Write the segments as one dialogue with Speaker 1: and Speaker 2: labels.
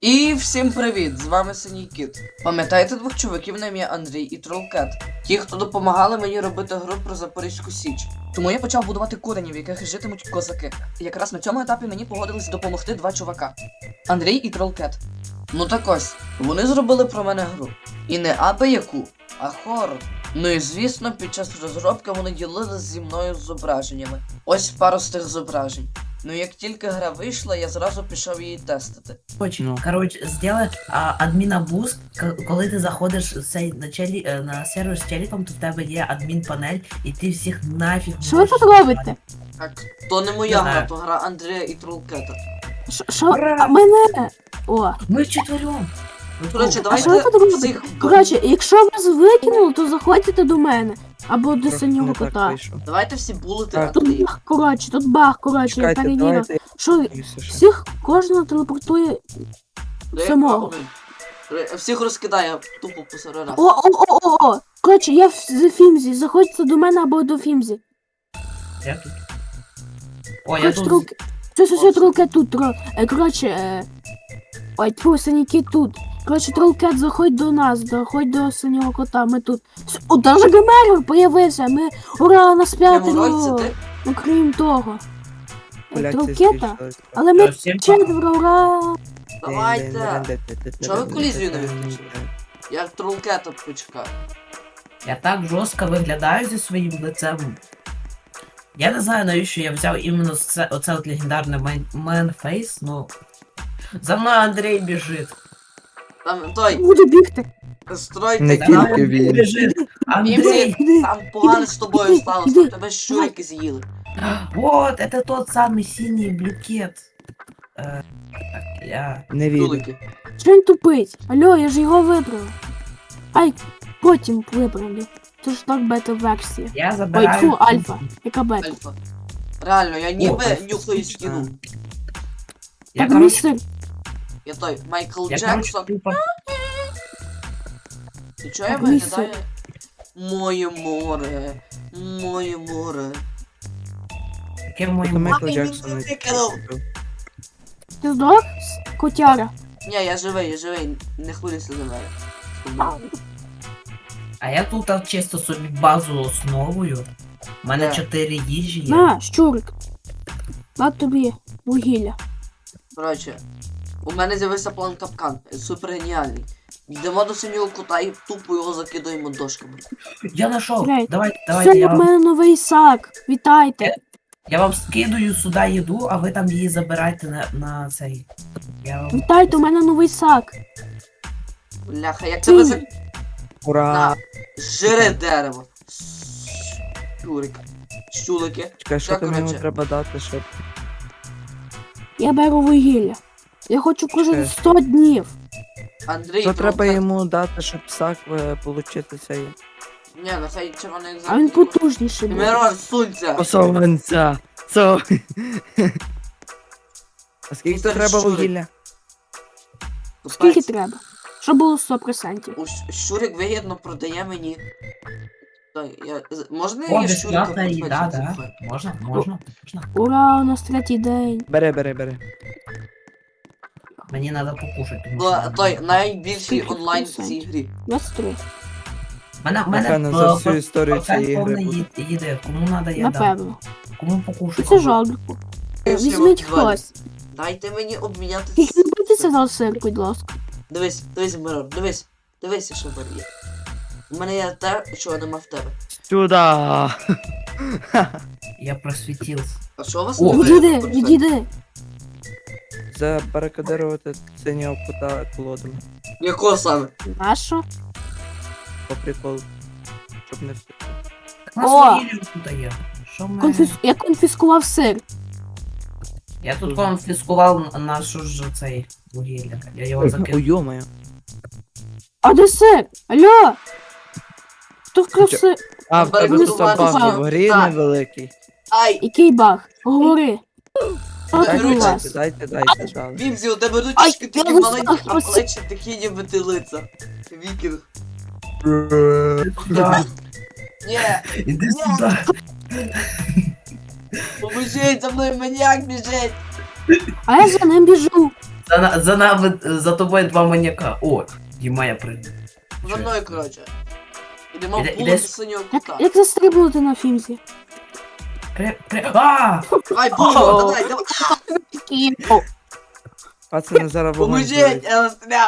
Speaker 1: І всім привіт! З вами Синій Кіт. Пам'ятаєте двох чуваків на ім'я Андрій і Тролкет? Ті, хто допомагали мені робити гру про Запорізьку Січ. Тому я почав будувати курені, в яких житимуть козаки. І якраз на цьому етапі мені погодились допомогти два чувака: Андрій і Тролкет. Ну так ось, вони зробили про мене гру. І не аби яку, а хорор. Ну і звісно, під час розробки вони ділилися зі мною зображеннями. Ось пару з тих зображень. Ну як тільки гра вийшла, я зразу пішов її тестити.
Speaker 2: Коротше, сделай адміна буст, коли ти заходиш на сервер з челіком, то в тебе є адмін панель, і ти всіх нафіг.
Speaker 3: Що ви тут робите?
Speaker 1: Так, то не моя
Speaker 2: Не
Speaker 1: гра,
Speaker 2: знаю.
Speaker 1: то гра Андрія і Тролкета.
Speaker 3: Що? А мене? О.
Speaker 2: Ми вчетвером.
Speaker 1: Коротше,
Speaker 3: А що ви
Speaker 1: давайте
Speaker 3: тут робите?
Speaker 1: всіх...
Speaker 3: Коротше, якщо вас викинули, то заходьте до мене. Або до синього кота.
Speaker 1: Давайте всі булити
Speaker 4: Так.
Speaker 3: Тут
Speaker 1: активні.
Speaker 3: баг, коротше, я
Speaker 4: Чекайте,
Speaker 3: перевірив.
Speaker 4: давайте.
Speaker 3: Що всіх кожного телепортує. самого.
Speaker 1: Всіх розкидає тупо по серверах.
Speaker 3: О. Коротше, я в Фімзі. Заходьте до мене або до Фімзі.
Speaker 2: Я тут. О, я
Speaker 3: Коротше,
Speaker 2: тут.
Speaker 3: тролки. Все, тролкет тут. Коротше, ой, тьфу, синій кіт тут. Коротше, тролкет, заходь до нас, заходь до синього кота, ми тут. О, даже Гемерор появився, ми, ура, нас
Speaker 1: Геморрой,
Speaker 3: п'ятеро.
Speaker 1: це ти?
Speaker 3: Ну, крім того.
Speaker 4: Поляці
Speaker 3: Тролкета,
Speaker 4: збільшились.
Speaker 3: але ми
Speaker 2: Всім
Speaker 3: четверо, ура.
Speaker 1: Давайте. Чого ви колізію не виключили? Я Тролкета почекаю.
Speaker 2: Я так жорстко виглядаю зі своїм лицем. Я не знаю, навіщо я взяв іменно оце от легендарне мейнфейс, ну. За мною Андрій біжить.
Speaker 1: Там той,
Speaker 3: Буду бігти.
Speaker 1: стройте
Speaker 4: Не
Speaker 1: там.
Speaker 4: тільки він.
Speaker 2: Біжить. Андрій!
Speaker 1: Фімзі, там погано з тобою
Speaker 3: Іди,
Speaker 1: сталося,
Speaker 3: іди.
Speaker 1: тебе щурики з'їли.
Speaker 2: Вот, это тот самый синий блюкет. Так, я...
Speaker 4: Не вірю.
Speaker 1: Жулики.
Speaker 3: Що він тупить? Алло, я ж його вибрав. Ай, потім виправлю. Це ж так бета-версія.
Speaker 2: Я
Speaker 3: Ой,
Speaker 2: забираю...
Speaker 3: фу, альфа. Яка бета?
Speaker 1: Альфа. Реально, я ніби
Speaker 2: Альфа.
Speaker 1: нюхаю стіну.
Speaker 2: Я,
Speaker 3: Так,
Speaker 2: короче,
Speaker 3: містер.
Speaker 1: Я той, Майкл
Speaker 2: я, короче,
Speaker 1: Джексон.
Speaker 2: тупо...
Speaker 1: І чого я
Speaker 3: Так, містер.
Speaker 1: виглядаю? Моє море, моє море.
Speaker 2: Яке моє
Speaker 4: Це Майкл
Speaker 1: Ай, він
Speaker 4: Джексон.
Speaker 1: мене викинув.
Speaker 3: Ти здоров, котяра?
Speaker 1: Ні, я живий, не хвилюйся за мене.
Speaker 2: А я тут чисто собі базу основую. У мене
Speaker 1: Да.
Speaker 2: 4 їжі є.
Speaker 3: На, щурик. На тобі вугілля.
Speaker 1: Коротше, у мене з'явився план капкан, супер геніальний. Йдемо до синього кота і тупо його закидаємо дошками.
Speaker 2: Я знайшов.
Speaker 3: Грей.
Speaker 2: Давайте,
Speaker 3: Все,
Speaker 2: я
Speaker 3: в мене новий сак. Вітайте.
Speaker 2: Я вам скидаю сюди їду, а ви там її забирайте на цей. Я вам...
Speaker 3: Вітайте, у мене новий сак.
Speaker 1: Бляха, як тебе за...
Speaker 4: Ура!
Speaker 1: Жире дерево. Щурик. Щулики.
Speaker 4: Чекай, що
Speaker 1: Так,
Speaker 4: там йому
Speaker 1: коротше.
Speaker 4: треба дати, щоб...
Speaker 3: Я беру вугілля. Я хочу кожен
Speaker 4: Чекай.
Speaker 3: 100 днів.
Speaker 1: Андрій,
Speaker 4: Що треба
Speaker 1: Тролкет.
Speaker 4: йому дати, щоб сак получити цей...
Speaker 1: Ні, нехай червоний
Speaker 3: А він
Speaker 1: екзамен.
Speaker 3: потужніший буде.
Speaker 1: Мирон, сунься.
Speaker 4: Посованця! Со... А скільки
Speaker 1: Містер
Speaker 4: треба
Speaker 1: Щурик.
Speaker 4: вугілля?
Speaker 3: Скільки треба? Щоб було 100%.
Speaker 1: Щурик вигідно продає мені. Так, можна
Speaker 2: О,
Speaker 1: я щурика
Speaker 2: безплатна їда,
Speaker 1: купити?
Speaker 2: да? Можна.
Speaker 3: Ура, у нас третій день.
Speaker 4: Бери.
Speaker 2: Мені треба покушати. тому
Speaker 1: Ну,
Speaker 2: що-
Speaker 1: той найбільший
Speaker 3: Скільки
Speaker 1: онлайн в цій
Speaker 3: процентів?
Speaker 1: грі.
Speaker 3: 23.
Speaker 2: Мене
Speaker 4: Напевно, за всю історію цієї гри буде.
Speaker 2: їде. Кому треба я дам.
Speaker 3: Напевно.
Speaker 2: Кому
Speaker 3: І
Speaker 2: покушати?
Speaker 3: це жалко. Візьміть хтось.
Speaker 1: Дайте мені обміняти.
Speaker 3: Тільки не бійтеся за сир, будь ласка.
Speaker 1: Дивись, Мирон, дивись, що в мене є. У мене є те, чого нема в тебе.
Speaker 4: Сюда!
Speaker 2: Я просвітився.
Speaker 1: А що у вас
Speaker 2: О,
Speaker 1: не
Speaker 3: Відійди.
Speaker 4: Забарикадирувати синього кота колодами.
Speaker 1: Якого саме?
Speaker 3: Нащо?
Speaker 4: По приколу. Щоб не встигти.
Speaker 2: Так на
Speaker 3: О!
Speaker 2: своїй тут є. Що ми...
Speaker 3: Я конфіскував сир.
Speaker 2: Я тут конфіскував нашу ж цей вугілля. Я його
Speaker 4: Ой,
Speaker 2: закинув.
Speaker 4: йомаю.
Speaker 3: А де сир? Алло! Хто вкрав
Speaker 4: Чо-
Speaker 3: сир?
Speaker 4: А, в тебе
Speaker 1: Барикадувати
Speaker 4: собак
Speaker 3: собак.
Speaker 4: в грі
Speaker 1: Так.
Speaker 4: невеликий.
Speaker 1: Ай!
Speaker 3: Який баг? Говори. Що
Speaker 1: Дайте,
Speaker 3: тут у вас?
Speaker 4: Дайте, дали.
Speaker 1: Вімзі, у тебе
Speaker 3: Ай,
Speaker 1: ручки такі
Speaker 3: я
Speaker 1: маленькі, а
Speaker 3: ось-
Speaker 1: плечі такі ніби ти лиця. Вікінг.
Speaker 2: Да.
Speaker 1: Ні,
Speaker 2: Іди сюди.
Speaker 1: поможіть, за мною маніяк біжить.
Speaker 3: А я за ним біжу.
Speaker 2: За нами, за тобою два маньяка. О, Діма, я прийду.
Speaker 1: За мною, коротше. Ідемо в
Speaker 2: Іде-
Speaker 1: вулицю
Speaker 2: іде-
Speaker 1: синього кота.
Speaker 3: Як застрибнути на фімзі?
Speaker 2: А!
Speaker 1: Ай, Боже, давай, давай.
Speaker 4: Пацани зараз вогонь
Speaker 1: Поможіть,
Speaker 4: зловить.
Speaker 1: я застряг.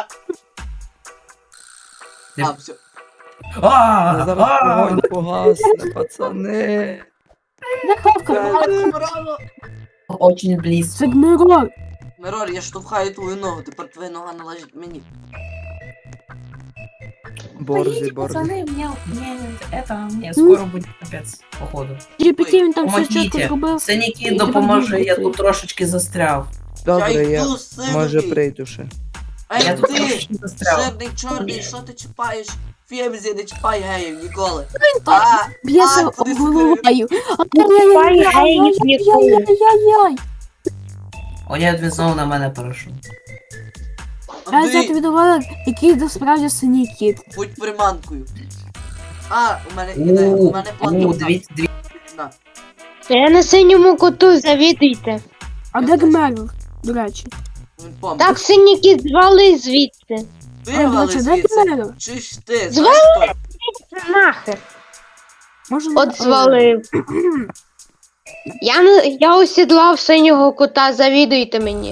Speaker 2: Ти-
Speaker 1: А, все.
Speaker 4: Я зараз вогонь погасне, пацани.
Speaker 3: Де хавка?
Speaker 1: Браво.
Speaker 2: Очень близко.
Speaker 3: Це Гмирор.
Speaker 1: Мирор, я штовхаю твою ногу, тепер твоя нога належить мені.
Speaker 4: Борзі, борзі.
Speaker 2: Пацаны, мне скоро будет капец, походу.
Speaker 3: GPT він там все чітко
Speaker 2: Помогите.
Speaker 3: зробив.
Speaker 2: Синяки, допоможи, я тут трошечки застряв.
Speaker 4: Добре,
Speaker 1: я
Speaker 4: я
Speaker 1: йду, синій.
Speaker 4: може прийду ще.
Speaker 1: Ей,
Speaker 2: Я тут
Speaker 1: ти,
Speaker 2: трошечки застряв.
Speaker 1: жирний чорний, що ти чіпаєш? Фемзі, не чіпай геїв ніколи.
Speaker 3: так Б'ється
Speaker 1: куди
Speaker 3: головою.
Speaker 5: Чіпай геїв ніколи.
Speaker 3: Ай-яй-яй-яй-яй-яй.
Speaker 2: О, ні, він знову на мене перейшов.
Speaker 3: Я взяти
Speaker 1: Андрій,
Speaker 3: від Олег, який насправді синій кіт.
Speaker 1: будь приманкою. У мене ідея, у мене план.
Speaker 2: Дивіться,
Speaker 1: На.
Speaker 5: Я на синьому коту, завідуйте.
Speaker 3: А де Гмирор, до речі?
Speaker 1: Він помер.
Speaker 5: Так, сині кіт, звали звідси.
Speaker 3: А, до
Speaker 1: Вивали
Speaker 3: речі, де
Speaker 1: звідси.
Speaker 3: Гмирор?
Speaker 1: Чи ж ти?
Speaker 5: Звали?
Speaker 1: Знаєш хто?
Speaker 5: Нахер.
Speaker 3: Може,
Speaker 5: От звалив. Я осідлав синього кота, завідуйте мені.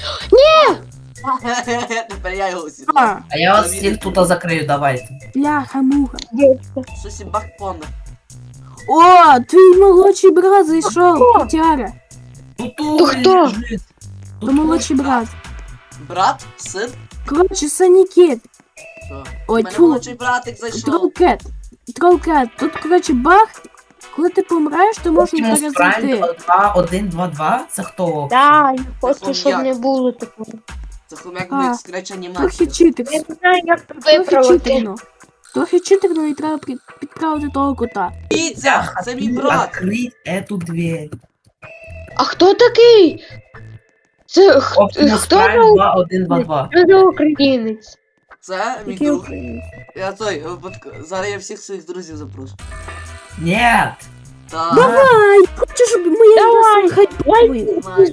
Speaker 1: Тепер я його
Speaker 3: А,
Speaker 1: сідав.
Speaker 2: а я вас всіх тут закрию, давайте.
Speaker 3: бляха-муха.
Speaker 1: Сусібак помер.
Speaker 3: О, твій молодший брат зайшов, котяра.
Speaker 5: То хто?
Speaker 3: То молодший брат.
Speaker 1: Брат? Син?
Speaker 3: Коротше, синій кіт.
Speaker 1: Що?
Speaker 3: Ой,
Speaker 1: У мене
Speaker 3: тьфу.
Speaker 1: молодший братик зайшов.
Speaker 3: Тролкет. Тролкет. Тут, коротше, баг. Коли ти помираєш, то можна
Speaker 2: Optimus Prime
Speaker 3: перезайти.
Speaker 2: 2122, це хто?
Speaker 5: Так, я хочу,
Speaker 1: хом'як.
Speaker 5: щоб не було такого.
Speaker 1: Це хомяк
Speaker 3: А,
Speaker 1: буде скреч
Speaker 3: Трохи
Speaker 1: анімацію.
Speaker 3: читер.
Speaker 5: Я не знаю, як це
Speaker 3: Трохи
Speaker 5: виправити.
Speaker 3: читерно. Трохи читерно і треба підправити того кота.
Speaker 1: Дивіться, це мій брат.
Speaker 2: Открыть эту дверь.
Speaker 5: А хто такий? Це
Speaker 2: Optimus
Speaker 5: хто
Speaker 2: Prime 2122.
Speaker 5: за українець?
Speaker 1: Це мій
Speaker 3: Який
Speaker 1: друг.
Speaker 3: українець?
Speaker 1: Я той, зараз я всіх своїх друзів запрошу.
Speaker 2: Нет!
Speaker 1: Так.
Speaker 3: Давай! Хочу, щоб моє
Speaker 5: Давай,
Speaker 3: м'ясо хайпує.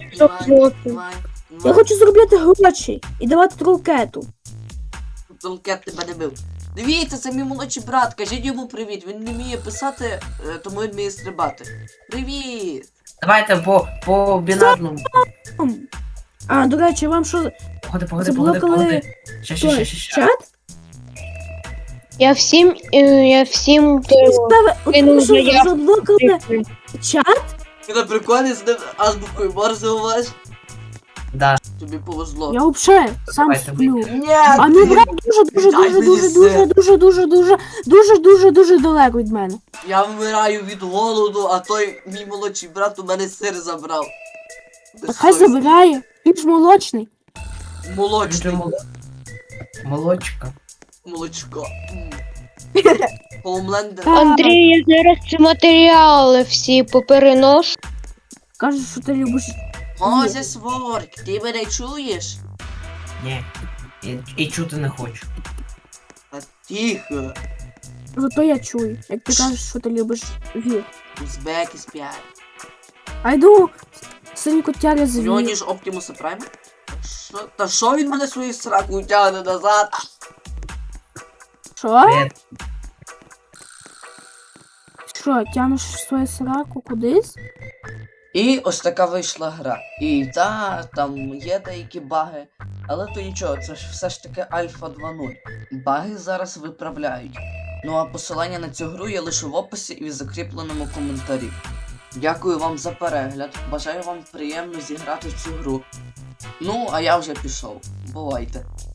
Speaker 3: Я хочу заробляти гроші і давати тролкету.
Speaker 1: Толкет тебе не бив. Дивіться, це мій молодший брат, кажіть йому привіт. Він не вміє писати, тому він вміє стрибати. Привіт!
Speaker 2: Давайте по бінарному.
Speaker 3: А, до речі, вам що,
Speaker 2: Погоди,
Speaker 3: заблокали
Speaker 2: Ще.
Speaker 3: чат?
Speaker 5: Я всім кинув
Speaker 3: Що,
Speaker 5: заявку.
Speaker 3: заблокали чат?
Speaker 1: Ти на приколі з ним азбукою Морзе говориш?
Speaker 2: Да,
Speaker 1: Тобі повезло.
Speaker 3: Я взагалі сам
Speaker 2: Давайте
Speaker 3: сплю.
Speaker 1: Ні!
Speaker 3: А мій брат дуже далеко від мене.
Speaker 1: Я вмираю від голоду, а той мій молодший брат у мене сир забрав.
Speaker 3: Так хай забирає. Він ж молочний.
Speaker 1: Молочний.
Speaker 2: молочка.
Speaker 1: Молочко. Хоумлендер.
Speaker 3: Так.
Speaker 5: Андрій, я зараз ці матеріали всі попереношу.
Speaker 3: Кажеш, що ти любиш.
Speaker 1: Гозе Сворк, ти мене чуєш?
Speaker 2: Ні. І чути не хочу.
Speaker 1: А тихо.
Speaker 3: Зато я чую, як ти кажеш, що ти любиш вір.
Speaker 1: Узбеки спять.
Speaker 3: А йду синій котяря з
Speaker 1: У нього
Speaker 3: вір.
Speaker 1: ніж Оптимуса Прайма? Та що він мене свою сраку тягне назад?
Speaker 3: Що?
Speaker 2: Привіт.
Speaker 3: Що, тянеш свою сраку кудись?
Speaker 1: І ось така вийшла гра. І там є деякі баги, але то нічого, це ж все ж таки Альфа 2.0. Баги зараз виправляють. Ну а посилання на цю гру є лише в описі і в закріпленому коментарі. Дякую вам за перегляд, бажаю вам приємно зіграти в цю гру. Ну, а я вже пішов. Бувайте.